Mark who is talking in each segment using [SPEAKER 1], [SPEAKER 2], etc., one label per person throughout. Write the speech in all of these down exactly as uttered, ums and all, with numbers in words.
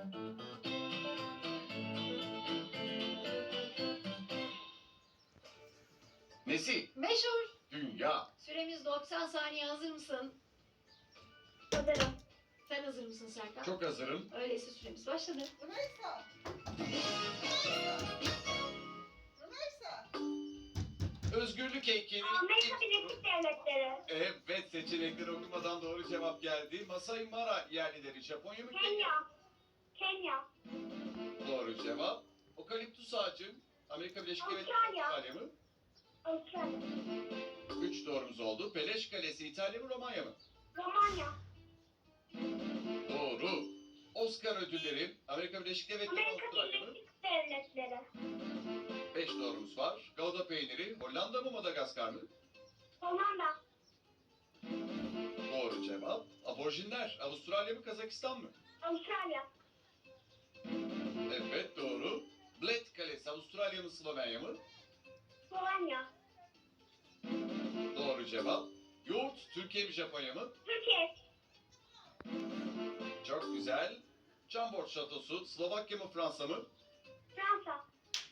[SPEAKER 1] Nesi?
[SPEAKER 2] Meşhur.
[SPEAKER 1] Dünya.
[SPEAKER 2] Süremiz doksan saniye, hazır mısın?
[SPEAKER 3] Hazırım.
[SPEAKER 2] Sen hazır mısın Serkan?
[SPEAKER 1] Çok hazırım.
[SPEAKER 2] Öyleyse süremiz başladı.
[SPEAKER 4] Rümeysa. Rümeysa.
[SPEAKER 1] Özgürlük heykeli.
[SPEAKER 3] Amerika Birleşik Devletleri.
[SPEAKER 1] Evet, seçenekleri okumadan doğru cevap geldi. Masai Mara yerlileri Japonya mı?
[SPEAKER 3] Kenya. Kenya.
[SPEAKER 1] Doğru cevap. Okaliptüs ağacı Amerika Birleşik Devletleri
[SPEAKER 3] Avustralya.
[SPEAKER 1] İtalya mı?
[SPEAKER 3] Avustralya.
[SPEAKER 1] Üç doğrumuz oldu. Peleş Kalesi İtalya mı Romanya mı?
[SPEAKER 3] Romanya.
[SPEAKER 1] Doğru. Oscar ödülleri Amerika Birleşik Devletleri mi
[SPEAKER 3] Amerika
[SPEAKER 1] Avustralya mı?
[SPEAKER 3] Birleşik Devletleri.
[SPEAKER 1] Beş doğrumuz var. Gouda peyniri Hollanda mı Madagaskar mı?
[SPEAKER 3] Hollanda.
[SPEAKER 1] Doğru cevap. Aborjinler Avustralya mı Kazakistan mı?
[SPEAKER 3] Avustralya.
[SPEAKER 1] Evet doğru. Bled Kalesi Avustralya mı Slovenya mı?
[SPEAKER 3] Slovenya.
[SPEAKER 1] Doğru cevap. Yoğurt Türkiye mi Japonya mı?
[SPEAKER 3] Türkiye.
[SPEAKER 1] Çok güzel. Chambord Şatosu Slovakya mı Fransa mı?
[SPEAKER 3] Fransa.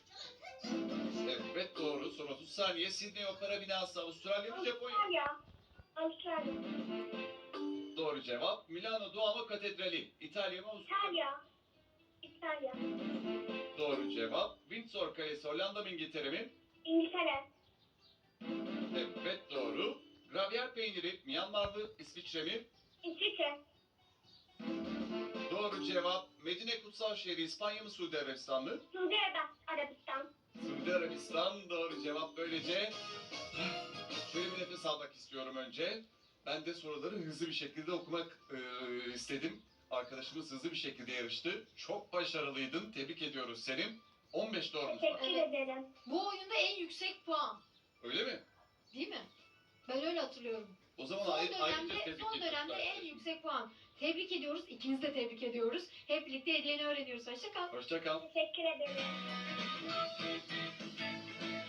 [SPEAKER 1] Evet doğru. Son otuz saniye. Sydney Opera Binası Avustralya mı Japonya mı?
[SPEAKER 3] Avustralya. Avustralya.
[SPEAKER 1] Doğru cevap. Milano Duomo Katedrali İtalya mı Avustralya mı?
[SPEAKER 3] İtalya. İtalya.
[SPEAKER 1] Doğru cevap. Windsor Kalesi Hollanda mı İngiltere mi?
[SPEAKER 3] İngiltere.
[SPEAKER 1] Evet doğru. Gravyer peyniri Myanmar mı İsviçre mi?
[SPEAKER 3] İsviçre.
[SPEAKER 1] Doğru cevap. Medine Kutsal Şehri İspanya mı Suudi Arabistan mı?
[SPEAKER 3] Suudi Arabistan.
[SPEAKER 1] Suudi Arabistan doğru cevap. Böylece şöyle bir nefes almak istiyorum önce. Ben de soruları hızlı bir şekilde okumak e, istedim. Arkadaşımız hızlı bir şekilde yarıştı. Çok başarılıydın. Tebrik ediyoruz seni. on beş doğrumuz var.
[SPEAKER 3] Teşekkür
[SPEAKER 2] Evet.
[SPEAKER 3] ederim.
[SPEAKER 2] Bu oyunda en yüksek puan.
[SPEAKER 1] Öyle mi?
[SPEAKER 2] Değil mi? Ben öyle hatırlıyorum.
[SPEAKER 1] O zaman
[SPEAKER 2] Son
[SPEAKER 1] ayrı, ayrıca
[SPEAKER 2] dönemde,
[SPEAKER 1] tebrik
[SPEAKER 2] son
[SPEAKER 1] ediyoruz
[SPEAKER 2] dönemde en
[SPEAKER 1] arkadaşlar.
[SPEAKER 2] yüksek puan. Tebrik ediyoruz. İkinizi de tebrik ediyoruz. Hep birlikte hediyeni öğreniyoruz. Hoşça kal.
[SPEAKER 1] Hoşça kal.
[SPEAKER 3] Teşekkür ederim.